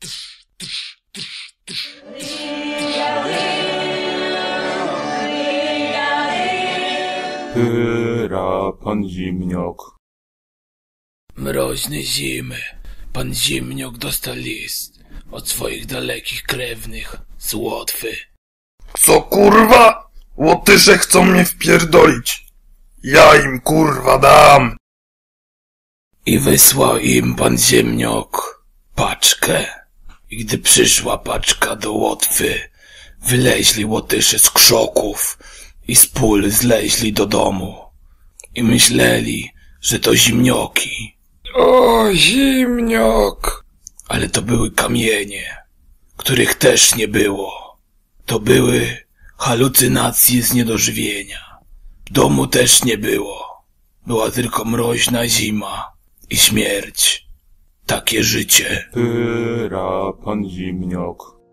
Hyra, pan Zimniok. Mroźne zimy. Pan Zimniok dostał list od swoich dalekich krewnych z Łotwy. Co kurwa? Łotysze chcą mnie wpierdolić. Ja im kurwa dam. I wysłał im pan Ziemniok paczkę. I gdy przyszła paczka do Łotwy, wyleźli Łotysze z krzoków i z pól zleźli do domu. I myśleli, że to zimnioki. O, Zimniok. Ale to były kamienie, których też nie było. To były halucynacje z niedożywienia. Domu też nie było. Była tylko mroźna zima i śmierć. Takie życie. Hyra, pan Zimniok.